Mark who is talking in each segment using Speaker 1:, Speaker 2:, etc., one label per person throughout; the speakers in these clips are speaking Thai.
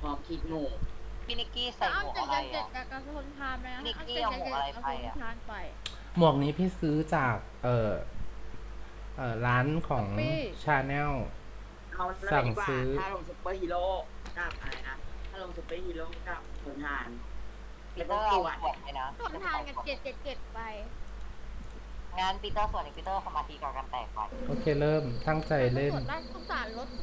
Speaker 1: พร้อมคิดหมู่
Speaker 2: พี่นิกกี้ใส่หมวกอะไรอ่ะ
Speaker 3: กับกระสุนพานไปนะ
Speaker 2: นิกกี้เอาหมวกอะไรไปอ่ะ
Speaker 4: หมวกนี้พี่ซื้อจากร้านของชาแนล
Speaker 1: เอาแล้ว
Speaker 4: สั่ง
Speaker 1: ดีกว่า
Speaker 4: ซื้อ
Speaker 1: ถ้าลงซุปเปอร์ฮีโร่กับอะไรนะถ้าลงซุปเปอร์ฮีโร่กับผลทาน
Speaker 2: ปี
Speaker 1: แล้ว
Speaker 2: เตอร์เอา
Speaker 1: ก็ตรวจ
Speaker 2: ขวดไปนะ
Speaker 3: ส่วนทานกับ777ไป
Speaker 2: งานปีเตอร์ส่วนนี้ปีเตอร์สมาธิกับการแตกไป
Speaker 4: โอเคเริ่มตั้งใจเล่น
Speaker 3: ส่วนด้านสงสารรถ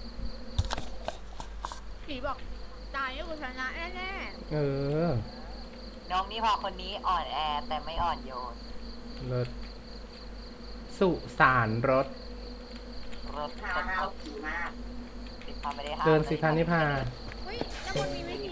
Speaker 3: ผีบอกตายนี่กูชนะแน่
Speaker 4: เออ
Speaker 2: น้องนิพาคนนี้อ่อนแอแต่ไม่อ่อนโยน
Speaker 4: รถสุสานรถ
Speaker 2: รถ
Speaker 1: ข้า
Speaker 2: จะ
Speaker 1: วผีมาก
Speaker 2: นิพาไม่ได้ห้าม
Speaker 4: เดินสิคะนิพา
Speaker 3: ๆเฮ้ยแล้วมันมีวิธี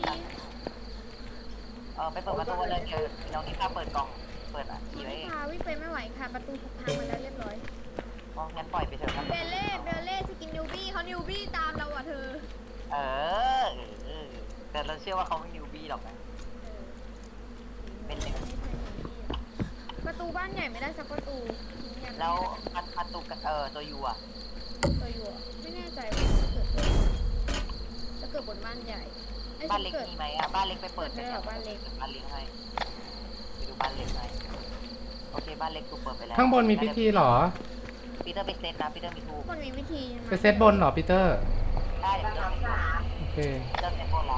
Speaker 2: ไปเปิดประตูเลยเดี๋ยวน้องนิพาเปิดกล่องเปิดอ่ะ
Speaker 3: มั
Speaker 2: ขี่
Speaker 3: น
Speaker 2: ไว้
Speaker 3: ไม่
Speaker 2: เอง
Speaker 3: พาวิ่งไปไม่ไหวค่ะประตูถูกพังมาแล้วเรียบร้อย
Speaker 2: งั้นปล่อยไปเถอะครับ
Speaker 3: เบลเล่สกินนิวบี้เขานิวบี้ตามเราอ่ะเธอ
Speaker 2: เออแต่เราเชื่อว่าเขาไม่นิวบี้หรอกนะ เป็นเด็ก
Speaker 3: ประตูบ้านใหญ่ไม่ได้สักประตู
Speaker 2: แล้วประตูตัวยูอ่ะ
Speaker 3: ตัวอยู่ไม่แน่ใจว่าจะเกิดบนบ้านใหญ่
Speaker 2: บ้านเล็กมีไหมอ่ะบ้านเล็กไปเปิด
Speaker 3: ไม่หรอกบ้านเล็ก
Speaker 2: บ้านเล็กให้ไปดูบ้านเล็กให้โอเคบ้านเล็กถูกเปิดไปแล้ว
Speaker 4: ข้างบนมีพิธีเหรอ
Speaker 2: ปีเตอร์ไปเซตนะปีเตอร์มีทูบ
Speaker 3: มันมีวิธีใช่ไหม
Speaker 4: ไปเซตบนเหรอปีเตอร์
Speaker 2: ได้เดี๋ยวปีเตอร์ไปดู
Speaker 4: โอเค
Speaker 2: ปีเตอร์เซตบนแล้ว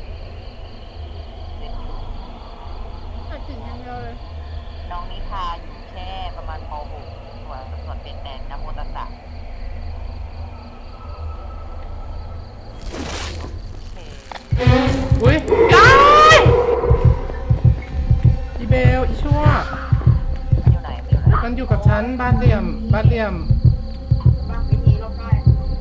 Speaker 2: เซต
Speaker 3: ตัดถึงอย่างเดียวเลย
Speaker 2: น้องนิพาอยู่แค่ประมาณป .6 ส่วนเป็นแต่นโมตัสสะโอเค
Speaker 4: อุ้ยได้อีเบลอีชั่ว
Speaker 2: มันอยู่ไหนมันอยู่ไหน
Speaker 4: มันอยู่กับฉันบ้านเหลี่ยม
Speaker 1: บางวิธีลบได้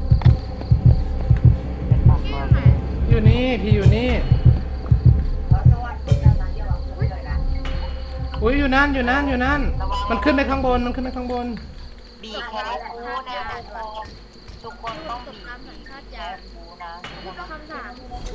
Speaker 2: เป็นปาก
Speaker 3: ที่
Speaker 2: ซอย
Speaker 3: ไหน
Speaker 4: อยู่นี่พี่อยู่นี่
Speaker 1: แล้วสวัสดีจ้าเดี๋ยวเราเลยนะ
Speaker 4: อุ้ยอยู่นั่นอยู่นั่นอยู่นั่น มันขึ้นไปข้างบนมันขึ้นไปข้างบน
Speaker 2: บีแคร์ฟูนะทุกคนต้องบีแคร์ฟูนะ
Speaker 3: พูดคำถาม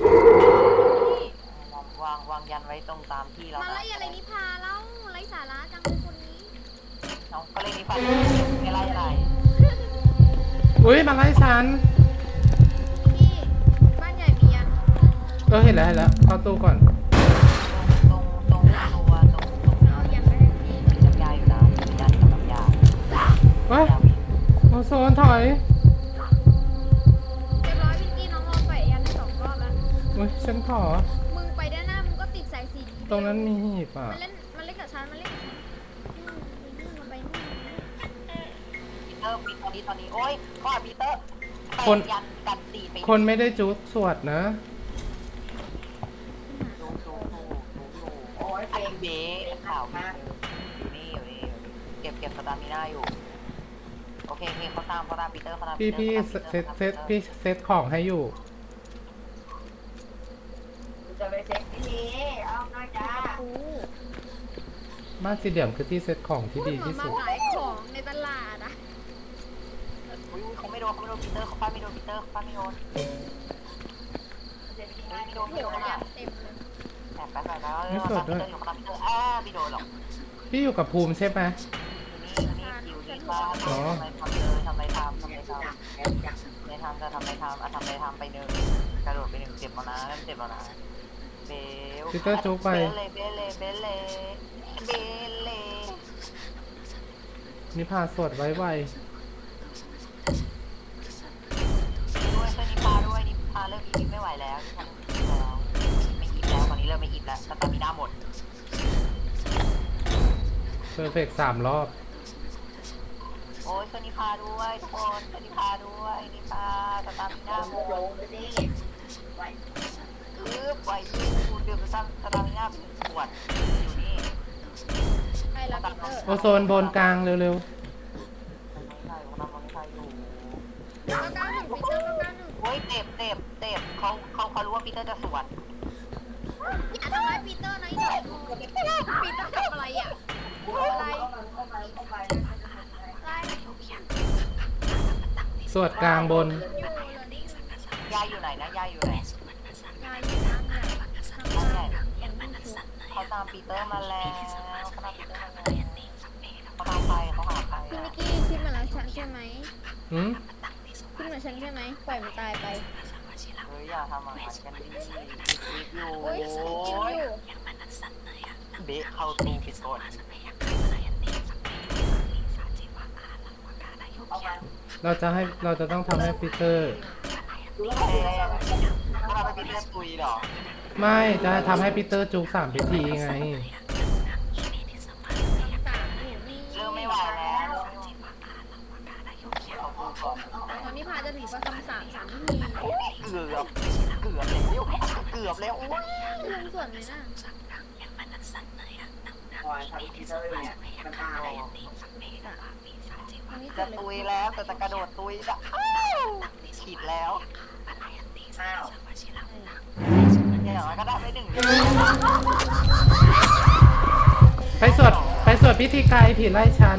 Speaker 2: วางยันไว้ตรงตามที่เรา
Speaker 3: มาไล่อะไรนิพาเล่าไล่สาระจังเลยคนนี้
Speaker 2: น้องก็เลยนิพาไม่ไล่อะไร
Speaker 4: อุ้ยมาไล่ฉัน
Speaker 3: พี่บ้านใหญ่มียัง
Speaker 4: เห็นแล้วเข้าตู้ก่อน
Speaker 2: ตรงตัวตรง
Speaker 3: เอายังไม่ได้พี่
Speaker 2: มีน้ำยาอยู่นะมียากับน้ำยา
Speaker 4: ว้ายโอโซนถอย
Speaker 3: เรียบร้อยพี่กี้น้องลองไปยันได้2 รอบแล้ว
Speaker 4: อุ้ยฉันขอ
Speaker 3: มึงไปด้านหน้ามึงก็ติดสายสี
Speaker 4: ตรงนั้นมีหีบอ่ะ
Speaker 3: มันเล่นกับฉันมันเล่นกับฉันนี่มันไปนี่
Speaker 2: ปีเตอร์ปีตอนนี้โอ๊ยพ่อปีเตอร์ยันกันตีไป
Speaker 4: คนไม่ได้จุดสวดนะ
Speaker 2: ดู
Speaker 1: โอ้ย
Speaker 2: ไอ
Speaker 1: เก่ง
Speaker 2: เบ้ข่าวอยู่นี่เก็บสตามิน่าอยู่โอเคเขาตามปีเตอร์เขาตาม
Speaker 4: พี่เซตของให้อยู่
Speaker 1: จะไปเช็คที่นี่เอาหน่อยจ้า
Speaker 3: โอ้
Speaker 4: บ้านสี่เหลี่ยมคือที่เซตของที่
Speaker 3: พูด
Speaker 4: ดี
Speaker 3: เหมือ
Speaker 4: ที่
Speaker 3: นมา
Speaker 4: สุด
Speaker 3: ขายของในตลาดอะ
Speaker 2: เขาไม่โดนปีเตอร์เขาป้าไม่โดนปีเตอร์ป้าไม่โดน
Speaker 3: โอ้โหยันเต็มเลย
Speaker 2: แต่ไปแล้วปีเตอร์อยู่กับปีเตอร์ไม่โดนหรอก
Speaker 4: พี่อยู่กับภูมิใช่ไหม
Speaker 2: นี่คิวดีมากทำไม่ทำไม่ทำไปหนึ่งกระโดดไปหนึ่งเจ็บแล้วนะเจ็บแล้วนะเบลเบล
Speaker 4: นิพาสวดไว้ไว
Speaker 2: ด้วยช่วยนิพาด้วยนิพาเริ่มอีฟไม่ไหวแล้วไม่อีฟแล้วตอนนี้เริ่มไม่อีฟแล้วสตามิน่าหมด
Speaker 4: เพอร์เฟกต์3 รอบ
Speaker 2: โอ้ยช่วยนิพาด้วยทุกคนช่วยนิพาด้วยนิพาสตามิน่าหมด
Speaker 1: ลงไปดิไว้
Speaker 2: ปล่อยยูดื่มสตามิน่าเป็นขวดอยู่นี่
Speaker 3: ไปแล้วปีเตอร์
Speaker 4: โอโซนบนกลางเร็ว
Speaker 2: ไม่ใช่อยู่
Speaker 3: 991ปีเตอร์991
Speaker 2: โอ้ยเจ็บเขารู้ว่าปีเตอร์จะสวน
Speaker 3: อย่าทำร้ายปีเตอร์นะอีหนูปีเตอร์ทำอะไรอ่ะอะไร
Speaker 4: ๆ สวดกลางบน
Speaker 3: อยู่เลยนี่
Speaker 2: ยายอยู่ไหนนะยายอยู่ไหน
Speaker 3: งานอยู่นั่นแหละทำงานอย่างนั้นคือ
Speaker 2: เขาตามปีเตอร์มาแล้วเขาตามปีเตอร์มาแล้วเขาตามไปเขาหาไป
Speaker 3: พี่นิกกี้คิดเหมือนฉันใช่ไหม
Speaker 4: หืม
Speaker 3: คิดเหมือนฉันใช่ไหมปล่อยมันตายไป
Speaker 2: เฮ้ยอย่าทำอาหารกันดิคิดอยู่
Speaker 3: โอ้ยกินอยู่
Speaker 2: เบะเข้าตู้ผิดกฎ
Speaker 1: เอามา
Speaker 4: เราจะต้องทำให้ปีเตอร์
Speaker 1: ดูแล้ว
Speaker 2: เอ๊ะถ้าเราไปเป็นเลือดตุยเหรอ
Speaker 4: ไม่จะทำให้ปีเตอร์จุก3 พิธีไง
Speaker 3: 3 หนูนี่
Speaker 2: เริ่มไม่ไหวแล้วเขาพูดก่อน
Speaker 3: ตอนนี้พาจะถึงประคำ3 ที
Speaker 2: เกือบแล้วโอ้ย
Speaker 3: ลุงส่วนไหมน่ะ
Speaker 1: คอยทำพีเตอร์อยู่เนี่ยมันตาย
Speaker 3: ตอนนี้ส่
Speaker 2: จะ
Speaker 3: วนเลย
Speaker 2: ตุยแล้วแต่จะกระโดดตุยจะอ้าวฉีดแล้ว
Speaker 1: อ้าว
Speaker 2: อย่างน้อยก็ได้ไป1
Speaker 4: ไปสวดพิธีไกรผีไล่ฉัน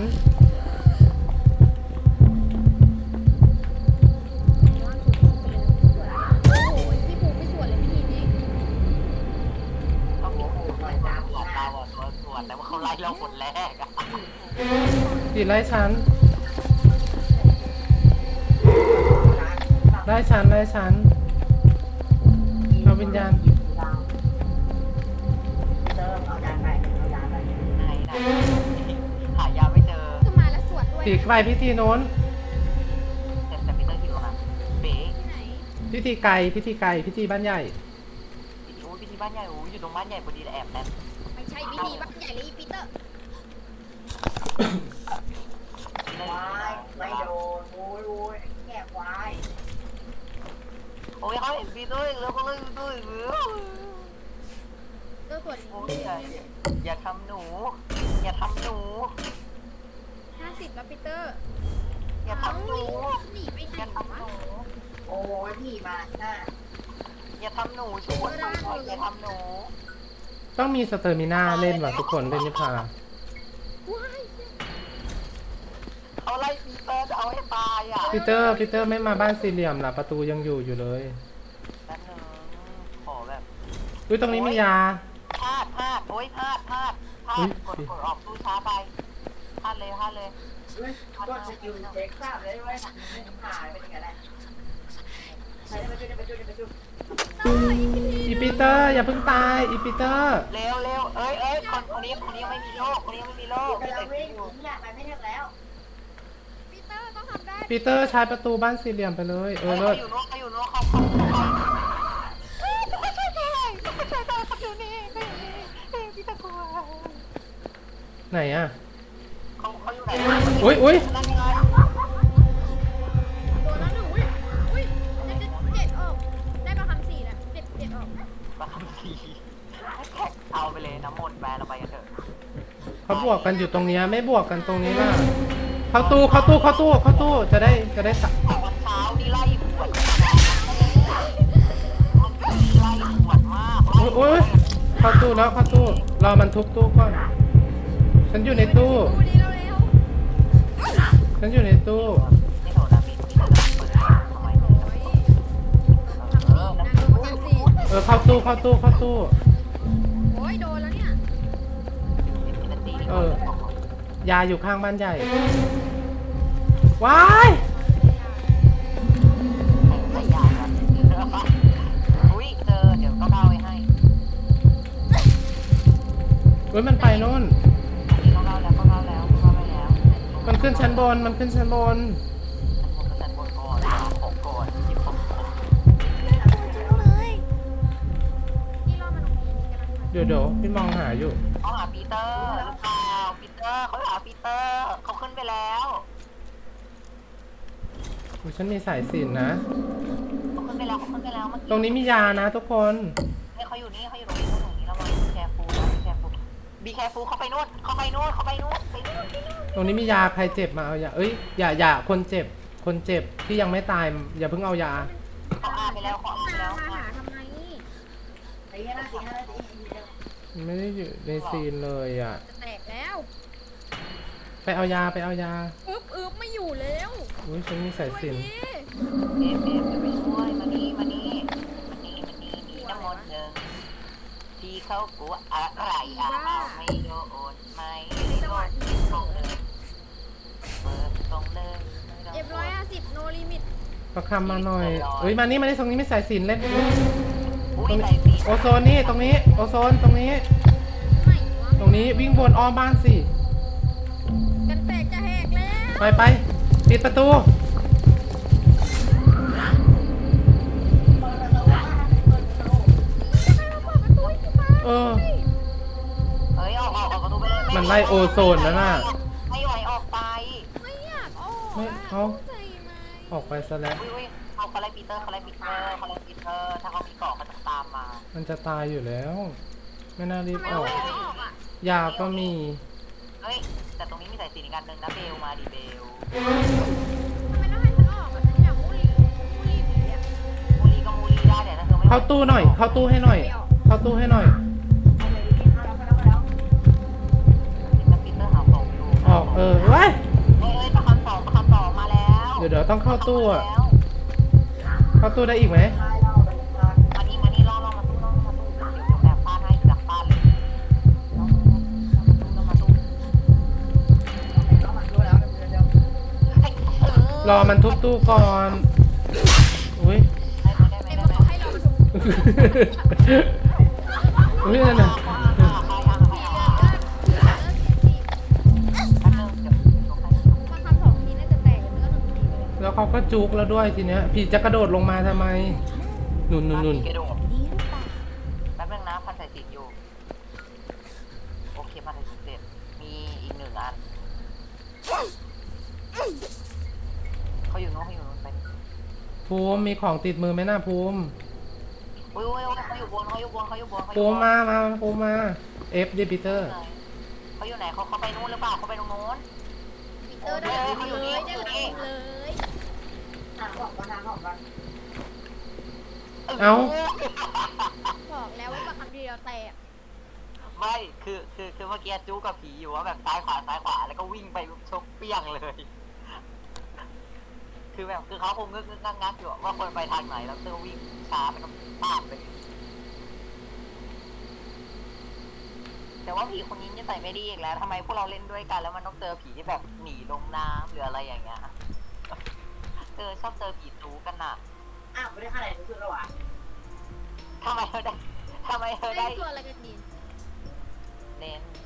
Speaker 3: โอ้โหพี่ปูไม่ส่วนเลยพิธีนี้
Speaker 2: เขาพูดหลอกเราอ่ะตัวส่วนแต่ว่าเขาไล่เราคนแรกอ่ะ
Speaker 4: ผีไล่ฉัน ไล่ฉันเอาวิญญาณ
Speaker 1: เติมเอายาไปเอายาไป
Speaker 2: ไหนหายาไม่เจอ
Speaker 3: คือมาแล้วสวดด้วย
Speaker 4: ผีไกรพิธีโน้น
Speaker 2: แต่พีเตอร์คิดว่าเบ๊
Speaker 3: ที่ไหน
Speaker 4: พิธีไกรพิธีบ้านใหญ่
Speaker 2: โอ้ยพิธีบ้านใหญ่โอ้ยอยู่ตรงบ้านใหญ่พอดีแอบแอบ
Speaker 3: ไม่ใช่พิธีบ้านใหญ่เลยอีปีเตอร์
Speaker 1: ควายไม่โดนโอ้ยแก่ควาย
Speaker 2: โอ้ยเขาเห็นพีเตอร์แล้วก็เลยด้วย
Speaker 3: เตอร์ส่วน
Speaker 2: โอ้ยอย่าทำหนูอย่าทำหนู
Speaker 3: 50แล้วปีเตอร์
Speaker 2: อย่าทำหนู
Speaker 3: หนีไปไหน
Speaker 2: อย่าทำห
Speaker 3: วะ
Speaker 2: นู
Speaker 1: โอ้ยพี่มาหน้า
Speaker 2: อย่าทำหนูช่วยอย่าทำหนู
Speaker 4: ต้องมีสเตอร์มิน่าเล่นว่ะทุกคนเล่นนิพา
Speaker 3: ว้าย
Speaker 2: เขาไล่พีเตอร์จะเอาให้ตายอ่ะ
Speaker 4: ปีเตอร์ไม่มาบ้านสี่เหลี่ยมล่ะประตูยังอยู่เลย
Speaker 2: แป๊บนึงขอแบบ
Speaker 4: อุ้ยตรงนี้มียา
Speaker 2: พลาดโอ้ยพลาดกดออกตู้ช้าไปพลาดเลย
Speaker 1: เฮ้ยก็สกิลเช็คทราบเลยว่าไม่ผ่านเป็นยังไงแหละใช้ไปจุด
Speaker 3: เตอร์อีพิธี
Speaker 4: อีปีเตอร์อย่าเพิ่งตายอีปีเตอร์
Speaker 2: เร็วเอ้ยคนนี้ยังไม่มีโรคคนนี้ยังไม่มีโรค
Speaker 1: กำลังวิ่งเนี่ยมันไม่ถึงแล้ว
Speaker 3: ปีเตอร์ต้องทำได้
Speaker 4: ปีเตอร์ใช้ประตูบ้านสี่เหลี่ยมไปเลยเลิศ
Speaker 2: เขาอยู่โน้นเขาอยู่นี่พี่ตะกัว
Speaker 4: ไหนอ่ะ
Speaker 2: เขาอยู่ไหน
Speaker 4: อุ้ย
Speaker 2: นั่นไง
Speaker 3: โดนแล้วหนูอุ้ยเจ็ดออกได้ประคำ4แล้วเจ็ดออก
Speaker 2: มาคำทีเอาไปเลยน้ำมนต์แบนเราไปกันเถอะ
Speaker 4: เขาบวกกันอยู่ตรงเนี้ยไม่บวกกันตรงนี้ล่ะเข้าตู้จะได้สัก
Speaker 2: วันเช้านี่ไล่ปวดไล่ปวดมาก
Speaker 4: อุ้ยเข้าตู้รอมันทุบตู้ก่อนฉันอยู่ในตู้
Speaker 3: ดูดีเร็ว
Speaker 4: ฉันอยู่ในตู้
Speaker 2: นี่โหนะพี่จะเปิดทำไม
Speaker 3: ๆโอ้ยทำ4นะโดนประคำ4
Speaker 4: เข้าตู้
Speaker 3: โอ้ยโดนแล้วเนี่ย
Speaker 4: ยาอยู่ข้างบ้านใหญ่ว้าย
Speaker 2: ไม่อยากอ่ะอุ้ยเจอเดี๋ยวก็เล่าไว้ให้
Speaker 4: อุ้ยมันไปโน่น
Speaker 2: ก็เล่าแล้วไปแล้ว
Speaker 4: มันขึ้นชั้นบน
Speaker 2: ฉันบนก่อนของก่อนหยิบของ
Speaker 3: นี่รอดมาตรงนี้กำลังมา
Speaker 4: เดี๋ยวพี่มองหาอยู่
Speaker 2: เขาหาปีเตอร์หรือเปล่าปีเตอร์เขาหาปีเตอร์เขาขึ้นไปแล้ว
Speaker 4: อุ๊ยฉันมีสายสิญจนนะ
Speaker 2: เขาขึ้นไปแล้วเมื่อกี้
Speaker 4: ตรงนี้มียานะทุกคน
Speaker 2: เนี่ยเขาอยู่นี่ตรงนี้แล้วมาแคร์ฟูบีแคร์ฟูเขาไปนู่น
Speaker 4: ตรงนี้มียาใครเจ็บมาเอายาเอ้ยอย่าคนเจ็บที่ยังไม่ตายอย่าเพิ่งเอายา
Speaker 2: เขาอาไปแล้วเขาอาไปแล้ว
Speaker 3: มาหาทำไม
Speaker 1: ตีให้ได้ตี
Speaker 4: ไม่ได้อยู่ในซีนเลยอ่ะ
Speaker 3: จะแตกแล้ว
Speaker 4: ไปเอายา
Speaker 3: อึ๊บไม่อยู่แล้ว
Speaker 4: อุ้ยฉันมีสาย
Speaker 3: ช่วย
Speaker 4: สิญจน
Speaker 3: ที
Speaker 2: เอฟจะไปช่วยมานี่น้ำมนต์หนึ่งที่เขากลัวอะไรไม่โดนไม่ได้โดนตรงเลยเปิดตรงเลย
Speaker 3: F150 no limit
Speaker 4: ประคำมาหน่อยเอ้ยมานี่ตรงนี้ไม่สายสิญจน์เล่น
Speaker 2: อุ้
Speaker 4: ตรง
Speaker 2: ย
Speaker 4: นี้
Speaker 2: ใส่สี
Speaker 4: โอโซนนี่ตรงนี้โอโซนตรงนี้
Speaker 3: ไหนวะ
Speaker 4: ตรงนี้วิ่งบนอ้อมบ้านสิ
Speaker 3: กันแตกจะแหกแล้ว
Speaker 4: ไปปิดประตู
Speaker 1: เปิดประตูบ้านเปิดประตู
Speaker 3: ใครมาเปิดประตูให้กูมา
Speaker 4: เออ
Speaker 2: เฮ้ยออกประตูไปเลย
Speaker 4: มันไล่โอโซนแล้วน่ะ
Speaker 2: ไม่ไหวออกไป
Speaker 3: ไม่อยากออก
Speaker 4: ไม่
Speaker 3: อะ
Speaker 4: เขา
Speaker 3: ใจไหม
Speaker 4: ออกไปซะแล้ว
Speaker 2: อุ้ยเอาเขาไล่ปีเตอร์ถ้าเขามีเกาะเขาจะตามมา
Speaker 4: มันจะตายอยู่แล้ว ไม่น่ารีบ
Speaker 3: ทำไม
Speaker 4: ออก
Speaker 3: ไม่ออกอ่ะ
Speaker 4: ยาก็มี
Speaker 2: เฮ้ยแต่ตรงนี้มีสายสีอีกอันหนึ่งนะเบลมาดิเบล
Speaker 3: ทำไมต้องให้ฉันออกอ่ะฉันอยากมูลี่ผีอ่ะ
Speaker 2: มูลีก็มูลีได้แต่ถ้าเธอไม่
Speaker 4: เข้าตู้หน่อย เข้าตู้ให้หน่อย เข้าตู้ให้หน่อย
Speaker 1: เอาเลยนี่เข้าแล้ว
Speaker 2: ปีเตอร์หาของอยู่
Speaker 4: ออกเว้ย
Speaker 2: เฮ้ยประคำสองมาแล้ว
Speaker 4: เดี๋ยวต้องเข้าตู้อะเข้าตู้ได้อีกไหม
Speaker 1: ตายแล้วเป็นทาง
Speaker 2: มานี่ล่อมาตู้เดี๋ยวแบบฟาดให้ดักฟาดเลยมาตู้
Speaker 1: เอามันรู้แล้วเดี๋ยว
Speaker 4: รอมันทุบตู้ก่อน อุ้ย
Speaker 2: ได้ไหม
Speaker 3: ไอ้บอกเขาให้เรามาดู
Speaker 4: อุ้ยนั่นน่ะ
Speaker 3: มาคำสองทีน่าจะแตกแล้วก็หนึ่งทีเลย
Speaker 4: แล้วเขาก็จุกแล้วด้วยทีเนี้ยผีจะกระโดดลงมาทำไมนุ่น
Speaker 2: แป๊บนึงนะพันใส่ติดอยู่โอเคพันใส่ติดเสร็จมีอีกหนึ่งอันเขาอยู่นู้นไป
Speaker 4: ภูมิมีของติดมือไหมน่าภูมิ
Speaker 2: อุ้ยเขาอยู่บน
Speaker 4: ภูมิมา เอฟดิปีเตอร์
Speaker 2: เขาอยู่ไหนเขาไปนู้นหรือเปล่าเขาไปตรงนู้น
Speaker 3: ปีเตอร์ได้หลังเลยได้หลังเลย
Speaker 1: ทางออกมาทางออกมา
Speaker 4: เอ้า
Speaker 3: บอกแล้วว่ามาคำเดียวแตก
Speaker 2: ไม่คือเมื่อกี้จู้กับผีอยู่ว่าแบบซ้ายขวาแล้วก็วิ่งไปชกเปี้ยงเลย คือแบบคือเขาคงงึกงักอยู่ว่าคนไปทางไหนแล้วเตอร์วิ่งช้าแล้วก็ปาดเลยแต่ว่าผีคนนี้จะใส่ไม่ดีอีกแล้วทำไมพวกเราเล่นด้วยกันแล้วมันต้องเจอผีที่แบบหนีลงน้ำหรืออะไรอย่างเงี้ยชอบเจอผีจู้กันน่ะ
Speaker 1: อ้าวไม่ได้ค่าไหนรู้สึกแล้ววะ
Speaker 2: ทำไมเธอได้
Speaker 3: เล่นตัวอะไรกันดี
Speaker 2: เล่น